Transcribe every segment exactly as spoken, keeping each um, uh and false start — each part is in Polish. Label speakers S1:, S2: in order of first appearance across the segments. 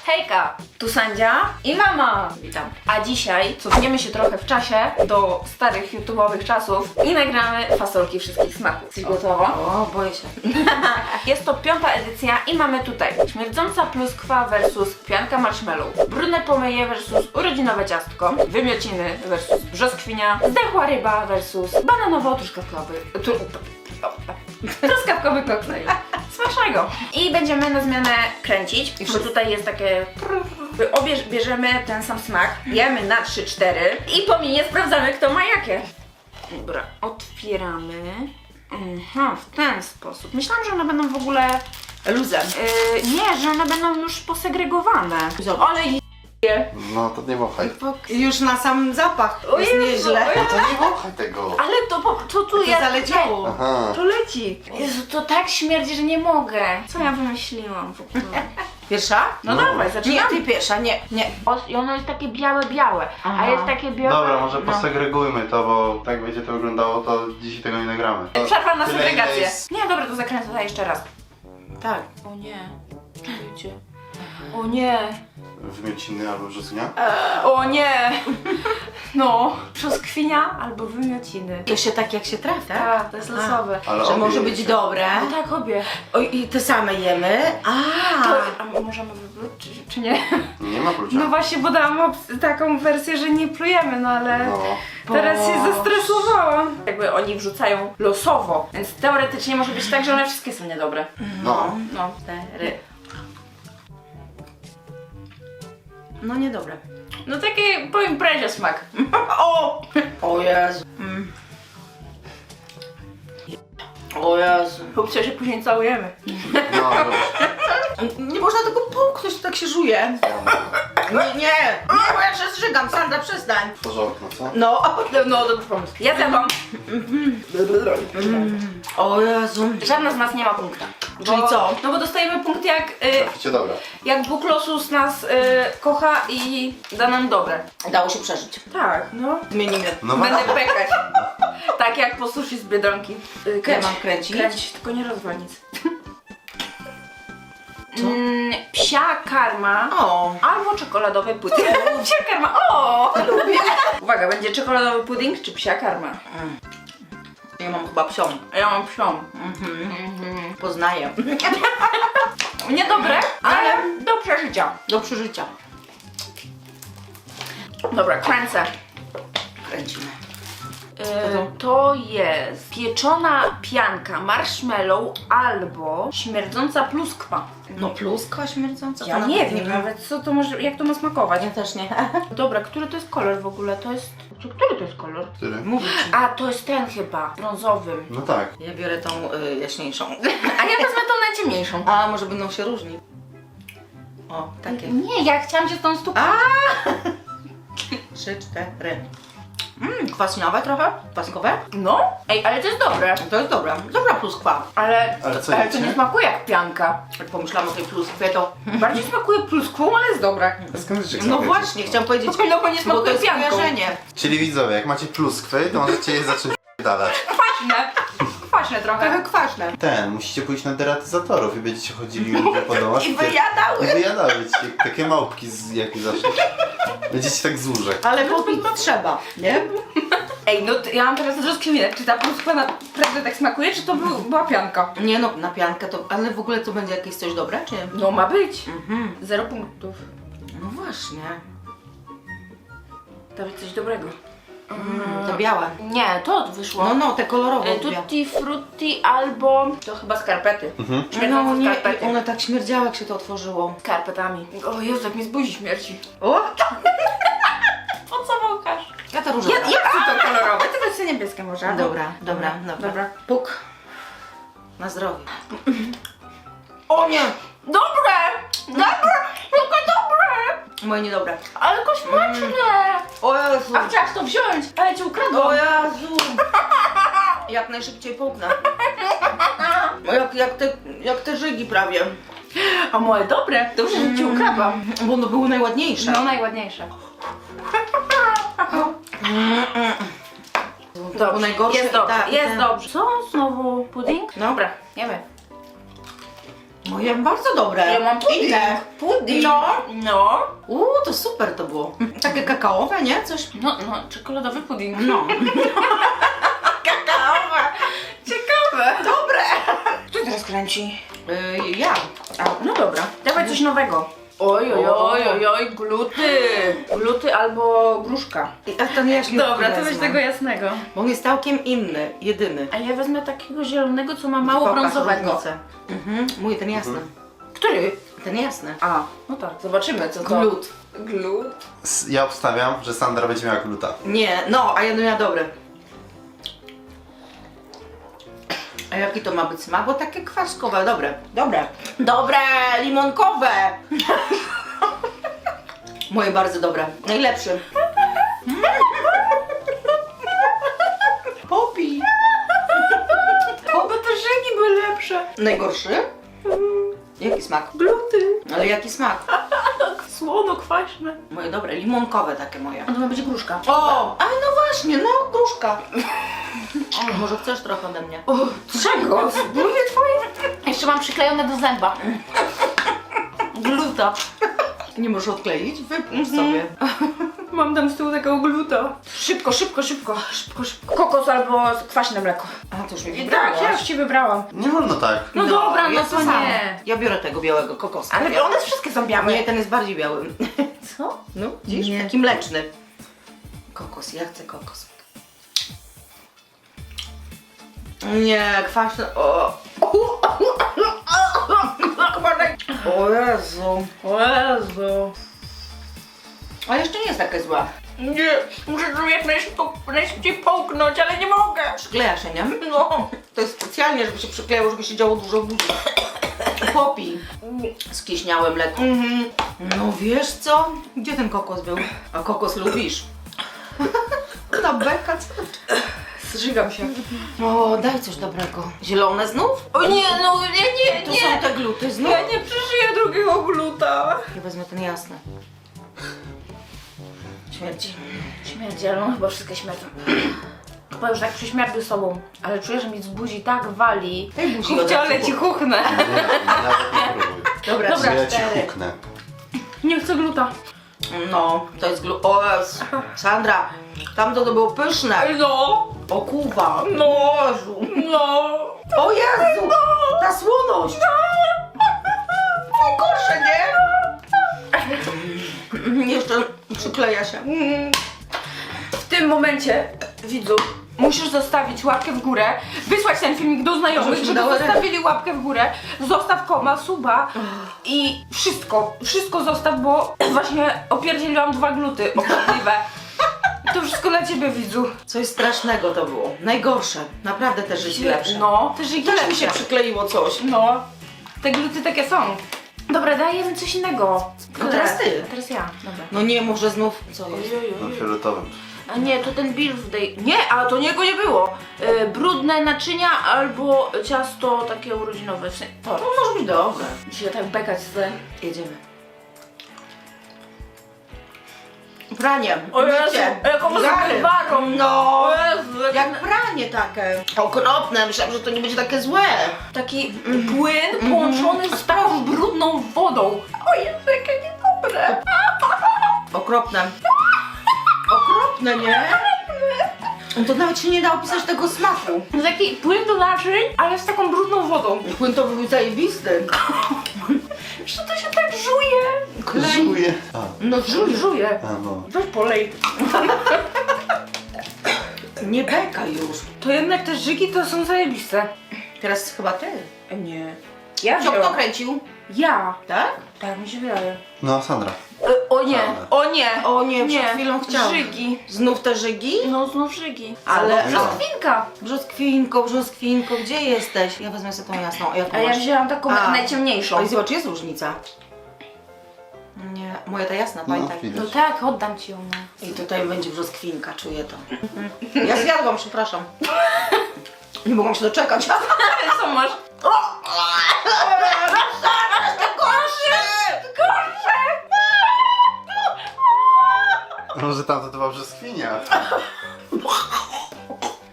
S1: Hejka, tu Sandzia i mama. Witam. A dzisiaj cofniemy się trochę w czasie do starych YouTube'owych czasów i nagramy fasolki wszystkich smaków. Jesteś gotowa?
S2: O, boję się.
S1: Jest to piąta edycja i mamy tutaj śmierdząca pluskwa versus pianka marshmallow, brudne pomyje versus urodzinowe ciastko, wymiociny versus brzoskwinia, zdechła ryba versus bananowo-truskawkowy tru, truskawkowy koktajl. Smacznego! I będziemy na zmianę kręcić, bo tutaj jest takie... Obie bierzemy ten sam smak, jemy na trzy cztery i po minie sprawdzamy, kto ma jakie. Dobra, otwieramy. Aha, w ten sposób. Myślałam, że one będą w ogóle
S2: Luzem.
S1: Yy, nie, że one będą już posegregowane. Ale je...
S3: No to nie wąchaj.
S2: Już na sam zapach
S1: O
S2: jest
S1: Jezu,
S2: nieźle.
S1: o Jezu.
S3: No to nie wąchaj tego.
S1: Ale to, po- to tu
S2: To
S1: ja...
S2: zaleciało.
S3: Aha.
S1: To leci. Jezu, to tak śmierdzi, że nie mogę. Co ja wymyśliłam w ogóle?
S2: Pierwsza?
S1: No,
S3: No.
S1: dawaj,
S2: Nie,
S1: zaczynamy.
S2: ty pierwsza, nie, nie.
S1: O, I ono jest takie białe, białe,
S2: Aha.
S1: a jest takie białe...
S3: Dobra, może
S1: no.
S3: posegregujmy to, bo tak będzie to wyglądało, to dzisiaj tego nie nagramy. To
S1: Przerwa na
S3: tyle,
S1: segregację.
S3: ile jest-
S1: Nie, dobra, to zakręcę to jeszcze raz.
S2: Tak.
S1: O nie. Wiecie. O nie.
S3: Wymiociny albo brzoskwinia?
S1: O nie. No, brzoskwinia albo wymiociny.
S2: To się tak jak się trafi, tak?
S1: Tak, to jest losowe.
S3: Ale
S2: Że
S3: obie
S2: może być
S3: jecie.
S2: dobre.
S1: No tak, obie.
S2: O, i te same jemy. A.
S1: To, a możemy wypluć, czy, czy nie?
S3: Nie ma plucia.
S1: No właśnie, bo dałam op- taką wersję, że nie plujemy, no ale
S3: No.
S1: teraz się
S2: Boże.
S1: zestresowałam. Jakby oni wrzucają losowo, więc teoretycznie może być tak, że one wszystkie są niedobre.
S3: No.
S1: No, cztery.
S2: No niedobre.
S1: No taki po imprezie smak.
S2: O! O Jezu. Mm. O Jezu.
S1: Chłopcy, się później całujemy.
S3: No, dobrze.
S2: Nie można tego połknąć, to tak się żuje. Nie, nie. Nie, bo ja się zżygam. Sandra, przestań.
S3: Otworzę okno, co?
S2: No.
S1: No, dobry pomysł. Ja zjadłam.
S2: O Jezu.
S1: Żadna z nas nie ma punkta.
S2: Czyli co?
S1: No bo dostajemy punkt jak, y,
S3: Traficie dobra.
S1: jak Bóg losus nas y, kocha i da nam dobre.
S2: Dało się przeżyć.
S1: Tak, no.
S2: Zmienimy.
S3: No
S1: Będę
S3: właśnie.
S1: pekać. Tak jak po sushi z Biedronki. Y,
S2: Ja mam kręcić?
S1: Kręcić, tylko nie rozwal nic. Mm, psia karma
S2: O.
S1: albo czekoladowy pudding. Psia karma, o! Lubię. Uwaga, będzie czekoladowy pudding czy psia karma?
S2: Ja mam chyba psią.
S1: Ja mam psią.
S2: Mhm. Poznaję.
S1: Niedobre, ale do przeżycia.
S2: Do przeżycia.
S1: Dobra, kręcę.
S2: Kręcimy.
S1: Yy, to jest pieczona pianka marshmallow albo śmierdząca pluskwa.
S2: No pluskwa śmierdząca.
S1: Ja
S2: to
S1: nie
S2: nawet
S1: wiem nawet co to może, jak to ma smakować.
S2: Ja też nie.
S1: Dobra, który to jest kolor w ogóle? To jest... Który to jest kolor?
S3: Który?
S2: Mówię ci.
S1: A, to jest ten chyba, brązowy.
S3: No tak.
S2: Ja biorę tą y, jaśniejszą.
S1: A ja wezmę tą najciemniejszą.
S2: A może będą się różnić? O, takie.
S1: Nie, ja chciałam się z tą stukać.
S2: A! Trzy, cztery. Mmm, kwaśniowe trochę? Kwaskowe?
S1: No? Ej, ale to jest dobre.
S2: To jest dobra. Dobra pluskwa.
S1: Ale,
S3: Ale co
S1: ale to
S3: jecie?
S1: nie smakuje jak pianka.
S2: Jak pomyślałam o tej pluskwie, to...
S1: Bardziej smakuje pluskwą, ale jest dobre.
S3: A skąd wiecie, jak
S2: No
S3: smakuje?
S2: właśnie, chciałam powiedzieć...
S1: No bo nie
S2: Bo to
S1: smakuje
S2: jest
S1: pianką.
S2: kojarzenie.
S3: Czyli widzowie, jak macie pluskwy, to możecie je zacząć dalać.
S1: Kwaśne. Kwaśne trochę.
S2: Trochę kwaśne.
S3: Ten, musicie pójść na deratyzatorów i będziecie chodzili ludzie po domach.
S2: I
S3: te-
S2: wyjadały.
S3: I wyjadały ci, jak takie małpki z jak zawsze. Będziecie tak z łóżek.
S2: Ale popić trzeba, nie?
S1: Ej, no to ja mam teraz rozkminę, czy ta pluskwa naprawdę tak smakuje, czy to był, była pianka?
S2: Nie no, na piankę to... Ale w ogóle to będzie jakieś coś dobre, czy...
S1: No ma być.
S2: Mhm.
S1: Zero punktów.
S2: No właśnie.
S1: To być coś dobrego.
S2: Mm, to białe.
S1: Nie, to wyszło.
S2: No, no, te kolorowe.
S1: E,
S2: lubię.
S1: Tutti frutti albo... To chyba skarpety.
S3: Mhm.
S2: No
S1: Śmierdzące
S2: nie,
S1: skarpety.
S2: one tak śmierdziały, jak się to otworzyło.
S1: Skarpetami. O Jezu, jak mi z buzi śmierci.
S2: O!
S1: Po co wąchasz?
S2: Ja to różowe.
S1: Ja, ja chcę to kolorowe, ty weź sobie niebieskie może.
S2: Dobra, dobra, dobra.
S1: Dobra.
S2: Puk. Na zdrowie. O nie!
S1: Dobre! Dobre! Tylko dobre!
S2: Moje niedobre.
S1: Ale kośmaczne!
S2: O Jezu!
S1: A chciałaś to wziąć, ale cię ukradłam.
S2: O Jezu! Jak najszybciej połknę. O, Jak, jak, te, jak te żygi prawie.
S1: A moje dobre? Dobrze, że ci ukradłam.
S2: Bo one były najładniejsze.
S1: No, najładniejsze.
S2: To było najgorsze.
S1: Jest dobrze,
S2: Tak,
S1: jest
S2: tak.
S1: dobrze. Co? Znowu pudding?
S2: Dobra.
S1: Jemy.
S2: Moje bardzo dobre.
S1: Ja mam pudding.
S2: Inne.
S1: Pudding.
S2: No.
S1: No.
S2: Uuu, to super to było. Takie kakaowe, nie? Coś.
S1: No, no, czekoladowy pudding.
S2: No.
S1: Kakaowe. Ciekawe.
S2: Dobre.
S1: Kto teraz kręci?
S2: Yy, ja.
S1: A, no dobra. Dawaj coś nowego. Oj, oj, oj, oj, oj, gluty. Gluty albo gruszka.
S2: A ten jaśniutki
S1: Dobra, to weź
S2: wezmę.
S1: tego jasnego.
S2: Bo on jest całkiem inny, jedyny.
S1: A ja wezmę takiego zielonego, co ma mało
S2: Pokaż
S1: brązowego.
S2: różnicę. Mhm. Mój ten jasny.
S1: Który?
S2: Ten jasny.
S1: A, no tak, zobaczymy co to.
S2: Glut.
S1: Glut.
S3: S- Ja obstawiam, że Sandra będzie miała gluta.
S2: Nie, no, a ja będę miała dobre. A jaki to ma być smak? Bo takie kwaskowe, dobre. Dobre. Dobre, limonkowe. Moje bardzo dobre. Najlepszy. Popi.
S1: Bo te żygi były lepsze.
S2: Najgorszy? Jaki smak?
S1: Gluty.
S2: Ale jaki smak?
S1: Słono, kwaśne.
S2: Moje dobre, limonkowe takie moje.
S1: A to ma być gruszka.
S2: O, a no właśnie, no gruszka. O, może chcesz trochę ode mnie?
S1: O, czego? Mówię twoje? Jeszcze mam przyklejone do zęba. Gluta.
S2: Nie możesz odkleić? Wypnij sobie.
S1: Mam tam z tyłu takiego gluta. Szybko, szybko, szybko, szybko, szybko. Kokos albo kwaśne mleko.
S2: A, to już mi
S1: I
S2: wybrałaś.
S1: tak, ja już ci wybrałam.
S3: Nie wolno tak.
S1: No dobra, no
S2: ja
S1: to
S2: samo.
S1: nie.
S2: Ja biorę tego białego kokosa.
S1: Ale one wszystkie są białe.
S2: Nie, ten jest bardziej biały.
S1: Co?
S2: No, widzisz?
S1: Nie.
S2: Taki mleczny. Kokos, ja chcę kokos. Nie, kwaśny. O. O Jezu.
S1: O Jezu.
S2: A jeszcze nie jest takie złe.
S1: Nie, muszę to jak najszybko- najszybciej połknąć, ale nie mogę.
S2: Przykleja się, nie?
S1: No.
S2: To jest specjalnie, żeby się przykleiło, żeby się działo dużo w buzi. Popij. Skieśniałe mleko.
S1: Mhm.
S2: No wiesz co? Gdzie ten kokos był? A kokos lubisz? Ta beka, co?
S1: Zżygam się.
S2: O, daj coś dobrego. Zielone znów?
S1: O nie, no nie, nie,
S2: To
S1: nie.
S2: są te gluty znów?
S1: Ja nie przeżyję drugiego gluta.
S2: Ja wezmę ten jasny. Śmierci.
S1: Śmierdzi, ale on chyba wszystkie śmierdzą. Chyba już tak prześmierdzy sobą, ale czuję, że mi z buzi tak wali.
S2: Tej buzi
S1: Chówcie,
S2: odepnij.
S1: ale ci chuchnę.
S3: Nie, nawet nie próbuj.
S2: Dobra,
S1: Dobra.
S3: Że ja ci
S1: cztery.
S3: huknę.
S1: Nie chcę gluta.
S2: No, to jest glut. O Jezu. Sandra, tamto to było pyszne.
S1: No,
S2: O kuwa.
S1: no,
S2: Jezu.
S1: no.
S2: O Jezu. Ta słoność. Najgorsze, nie? Jeszcze przykleja się.
S1: W tym momencie, widzu, musisz zostawić łapkę w górę, wysłać ten filmik do znajomych,
S2: Żebyśmy
S1: żeby
S2: dały radę.
S1: zostawili łapkę w górę, zostaw koma, suba i wszystko, wszystko zostaw, bo właśnie opierdzieliłam dwa gluty obrzydliwe. To wszystko dla ciebie, widzu.
S2: Coś strasznego to było. Najgorsze. Naprawdę te życie lepsze.
S1: No, te żygi
S2: Też mi
S1: lepsze.
S2: się przykleiło coś.
S1: No, te gluty takie są. Dobra, dajemy coś innego.
S2: No teraz ty.
S1: A teraz ja, dobra.
S2: No nie, może znów co jest?
S3: No fioletowym.
S1: A nie, to ten birthday. Nie, a to niego nie było. Yy, brudne naczynia albo ciasto takie urodzinowe. W sensie,
S2: No może być dobre.
S1: dzisiaj tak bekać z...
S2: Jedziemy. Pranie.
S1: O Jezu,
S2: mycie,
S1: jaką
S2: gary.
S1: zgrywarą.
S2: No.
S1: O Jezu, jak
S2: Jak pranie takie. Okropne. Myślałam, że to nie będzie takie złe.
S1: taki płyn połączony z taką brudną wodą. O Jezu, jakie niedobre.
S2: Okropne. Okropne, nie? No to nawet się nie da opisać tego smaku.
S1: To taki płyn do naczyń, ale z taką brudną wodą.
S2: Płyn to był zajebisty.
S1: Że to się tak żuje.
S3: Żuję. A,
S2: No żuj.
S1: Żuje.
S3: a no.
S1: Weź polej.
S2: Nie beka już.
S1: To jednak te żygi to są zajebiste.
S2: Teraz chyba ty.
S1: Nie. Ja
S2: Co kto
S1: wziąłam.
S2: kręcił?
S1: Ja.
S2: Tak?
S1: Tak mi się wydaje.
S3: No, Sandra.
S1: E, o nie, o nie.
S2: O nie,
S1: Nie.
S2: przed chwilą chciałam.
S1: Żygi.
S2: Znów te żygi?
S1: No znów żygi.
S2: Ale-
S1: Albo brzoskwinka.
S2: Brzoskwinko, brzoskwinko, gdzie jesteś? Ja wezmę sobie tą jasną. A jaką
S1: A ja
S2: masz?
S1: wzięłam taką
S2: A.
S1: najciemniejszą.
S2: Oj, zobacz, jest różnica. Nie, moja ta jasna,
S3: No,
S2: pamiętaj.
S1: No
S3: widać.
S1: tak, oddam ci ją. No.
S2: I tutaj będzie brzoskwinka, czuję to. Ja zjadłam, przepraszam. Nie mogłam się doczekać.
S1: Co masz? Gorsze! Gorsze!
S3: Może tamto to była brzoskwinia.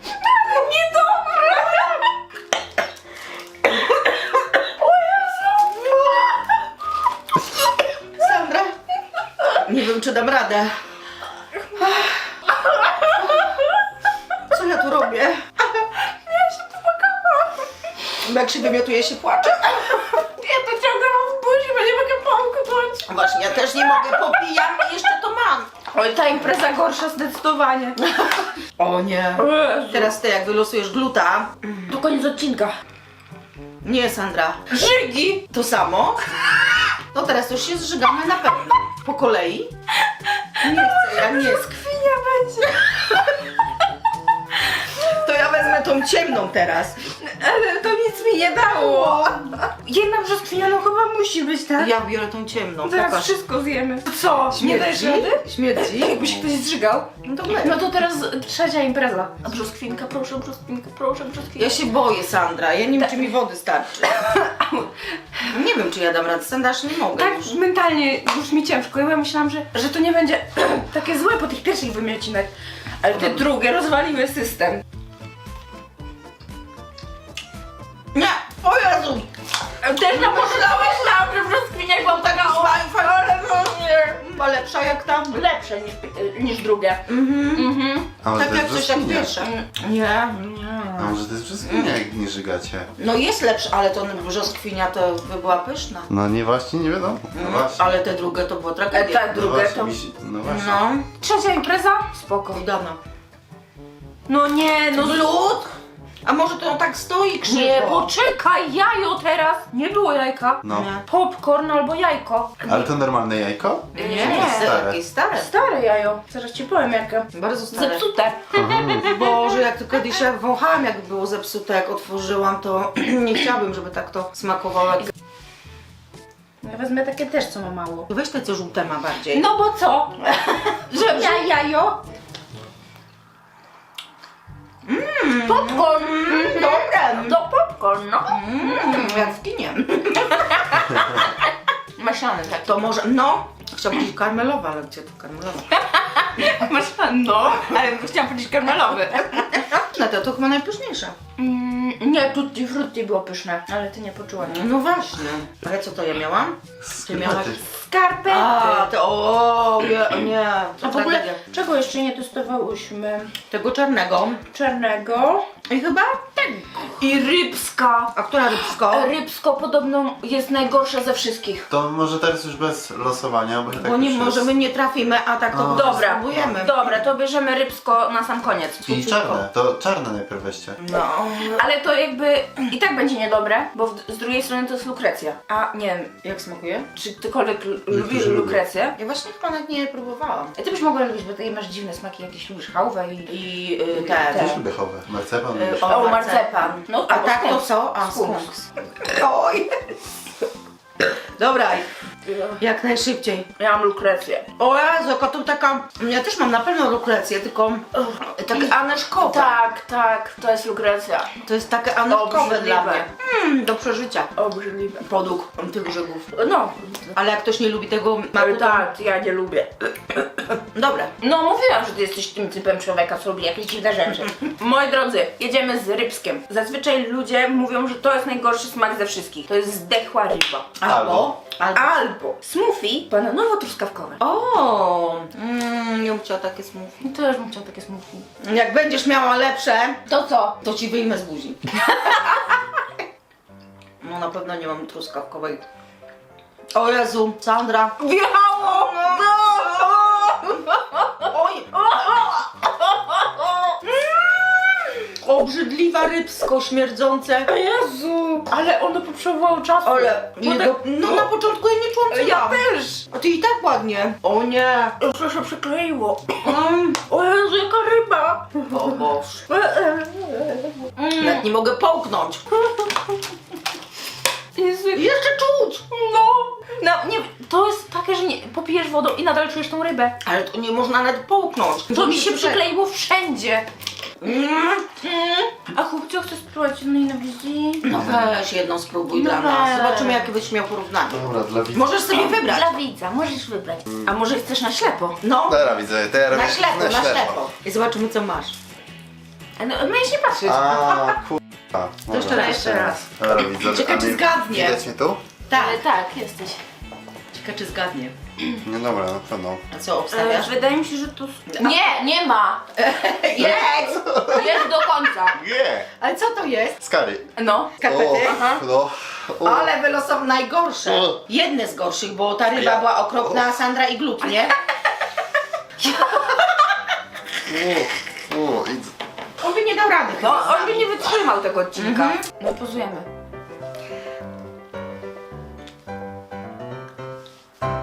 S1: Niedobre! O Jezu!
S2: wiem, czy dam radę. Co ja tu robię?
S1: Ja się popłakałam.
S2: Bo jak się wymiotuje, się płacze.
S1: Ja to ciągle mam w buzi, bo nie mogę połknąć.
S2: Właśnie, ja też nie mogę, popijam i jeszcze to mam.
S1: Oj, ta impreza gorsza zdecydowanie.
S2: O nie. Teraz ty, jak wylosujesz gluta.
S1: To koniec odcinka.
S2: Nie, Sandra.
S1: Żygi!
S2: To samo? No teraz już się zżygamy na pewno. Po kolei? Nie chcę, ja nie chcę.
S1: Kwinia będzie.
S2: To ja wezmę tą ciemną teraz.
S1: Ale to nic mi nie dało. Jedna brzoskwinia no chyba musi być, tak?
S2: Ja biorę tą ciemną.
S1: Zaraz
S2: Pokaż.
S1: wszystko zjemy. Co? Nie dajesz
S2: Śmierdzi?
S1: rady?
S2: Śmierdzi?
S1: Jakby się ktoś zżygał.
S2: No to my.
S1: No to teraz trzecia impreza. A brzoskwinka, proszę, brzoskwinka, proszę, brzoskwinka.
S2: Ja się boję, Sandra. Ja nie wiem, czy mi wody starczy. Nie wiem, czy ja dam radę. Sandra, aż nie mogę.
S1: Tak
S2: już.
S1: mentalnie już mi ciężko. Ja myślałam, że, że to nie będzie takie złe po tych pierwszych wymiocinek. Ale te
S2: Dobra.
S1: drugie rozwaliły system.
S2: Nie! O Jezu!
S1: Też na pomyślałeś tam, że brzoskwinia była taka
S2: fajna,
S1: ale no nie.
S2: Chyba lepsza jak tam.
S1: Lepsze niż, niż drugie.
S2: Mhm.
S1: Mhm.
S3: A może
S2: Tak
S3: to
S2: jak
S3: jest
S2: coś jak
S3: brzoskwinia?
S2: pierwsze. Nie, nie.
S3: A może to jest brzoskwinia, jak nie żygacie?
S2: No jest lepsza, ale to brzoskwinia to by była pyszna.
S3: No nie, właśnie nie wiadomo. No
S2: Mm,
S3: właśnie.
S2: ale te drugie to była tragedia.
S1: Tak,
S3: No
S1: drugie
S3: właśnie,
S1: to...
S3: mi się- No właśnie.
S2: No,
S1: Trzecia impreza? Spoko.
S2: udana.
S1: No nie, no
S2: Glut? A może to tak stoi krzywo?
S1: nie, poczekaj, jajo teraz. Nie było jajka.
S3: No.
S2: Nie.
S1: Popcorn albo jajko.
S3: Ale to normalne jajko?
S2: Nie,
S1: Nie.
S2: nie.
S3: Stare.
S2: Jakieś stare.
S1: Stare jajo. Zaraz ci powiem jakie.
S2: Bardzo stare.
S1: Zepsute.
S2: Boże, jak to kiedyś ja wąchałam, jak było zepsute, jak otworzyłam, to nie chciałabym, żeby tak to smakowało. Jak...
S1: Ja wezmę takie też, co ma mało.
S2: Weź te, co żółte ma bardziej.
S1: No bo co? Że ja jajo?
S2: Mm.
S1: Popcorn.
S2: Mm, dobre.
S1: To popcorn, no.
S2: Mm, jak w kinie.
S1: Maślany tak.
S2: To może, no, chciałam powiedzieć karmelowa, ale gdzie to karmelowa?
S1: Maślany, no. Ale chciałam powiedzieć karmelowy.
S2: No to, to chyba najpyszniejsze.
S1: Mm, nie, tutti frutti było pyszne, ale ty nie poczułaś.
S2: No właśnie. Ale co to ja miałam? Ty miałaś...
S3: Skarpety.
S1: Skarpety.
S2: A, to o, nie, nie. To
S1: A w ogóle
S2: tragedia.
S1: czego jeszcze nie testowałyśmy?
S2: Tego czarnego.
S1: Czarnego.
S2: I chyba?
S1: I rybska.
S2: A która rybsko?
S1: Rybsko podobno jest najgorsza ze wszystkich.
S3: To może teraz już bez losowania, bo, tak
S2: Bo nie
S3: już jest.
S2: możemy, nie trafimy, a tak to
S3: A.
S2: po prostu
S1: Dobra,
S2: spróbujemy.
S1: dobra, to bierzemy rybsko na sam koniec.
S3: I czarne, to czarne najpierw weźcie.
S2: No.
S1: Ale to jakby i tak będzie niedobre, bo w, z drugiej strony to jest lukrecja. A nie wiem,
S2: Jak smakuje?
S1: czy ktokolwiek l- lubi
S3: Niektórzy lubią.
S1: lukrecję?
S2: Ja właśnie chyba nawet nie próbowałam.
S1: Ty byś mogła lubić, bo ty masz dziwne smaki, jakieś lubisz chałwę i...
S2: I y, te,
S1: Te.
S3: Też lubię chowę. Marcepan
S2: Y,
S3: lubisz.
S2: o,
S1: O,
S2: marcepan.
S1: marcepan. No,
S2: A
S1: albo
S2: tak to
S1: skunks.
S2: co? A,
S1: Skunks.
S2: skunks. Oj. Dobra, jak najszybciej.
S1: Ja mam lukrecję.
S2: O Jezu, jaka to taka... Ja też mam na pewno lukrecję, tylko takie aneszkowe.
S1: Tak, tak, to jest lukrecja.
S2: To jest takie aneszkowe
S1: Obrzydliwe.
S2: dla mnie. Mm, do przeżycia.
S1: Obrzydliwe.
S2: Podług tych grzegów.
S1: No,
S2: Ale jak ktoś nie lubi tego smaku, to...
S1: tak, ja nie lubię.
S2: Dobre.
S1: No mówiłam, że ty jesteś tym typem człowieka, co lubi jakieś dziwne rzeczy. Moi drodzy, jedziemy z rybskiem. Zazwyczaj ludzie mówią, że to jest najgorszy smak ze wszystkich. To jest zdechła ryba.
S2: Albo... Albo...
S1: Albo smoothie bananowo-truskawkowe.
S2: O, mm, nie bym chciała takie smoothie.
S1: Też bym chciała takie smoothie.
S2: Jak będziesz miała lepsze,
S1: To co?
S2: to ci wyjmę z buzi. No na pewno nie mam truskawkowej. O Jezu, Sandra.
S1: Wjechało!
S2: Oj. Obrzydliwa rybsko śmierdzące.
S1: Jezu! Ale ono potrzebowało czasu.
S2: Ale
S1: Bo
S2: jego,
S1: tak-
S2: no na początku ja nie czułam co
S1: Ja
S2: mam.
S1: też!
S2: A ty i tak ładnie. O nie.
S1: Już się przykleiło.
S2: Mm.
S1: O Jezu, jaka ryba!
S2: O Boże.
S1: Mm.
S2: Jak nie mogę połknąć.
S1: Jezu, jak-
S2: Jeszcze czuć.
S1: no! No, nie, to jest takie, że nie, popijesz wodą i nadal czujesz tą rybę.
S2: Ale to nie można nawet połknąć.
S1: To mi się przykleiło wszędzie.
S2: Mm.
S1: Mm. A chłopcio, chcesz spróbować jednej na wizji?
S2: No weź jedną spróbuj
S1: No
S2: dla nas.
S1: weź.
S2: Zobaczymy jakie byś miał porównanie.
S3: Dobra, dla widzów.
S2: Możesz sobie wybrać.
S1: Dla widza, możesz wybrać. A może chcesz na ślepo?
S2: No,
S3: Dobra, widzę, to ja robię
S2: na ślepo, na ślepo. I zobaczymy co masz.
S1: No, miałeś nie patrzeć.
S3: A, kurwa.
S2: To jeszcze raz, jeszcze raz.
S3: Dobra, widzę.
S2: Czekaj,
S3: A
S2: czy
S3: mnie-
S2: zgadnie.
S3: Widać mnie tu?
S2: Tak.
S1: Ale tak, jesteś.
S2: Ciekawe, czy zgadnie.
S3: No dobra, na pewno.
S2: A co
S1: E,
S2: obstawiasz?
S1: wydaje mi się, że to... Nie, nie ma! Jest! Jest do końca.
S3: Nie!
S2: Ale co to jest?
S3: Skary.
S1: No.
S2: Skarpety?
S1: Aha.
S3: No. O.
S2: Ale wylosował najgorsze.
S3: O.
S2: Jedne z gorszych, bo ta ryba
S3: Ja-
S2: była okropna, a Sandra i glut, nie?
S3: O, o, idź.
S2: On by nie dał rady
S1: No,
S2: chyba z
S1: on by
S2: nami.
S1: nie wytrzymał tego odcinka.
S2: Mhm.
S1: No pozujemy.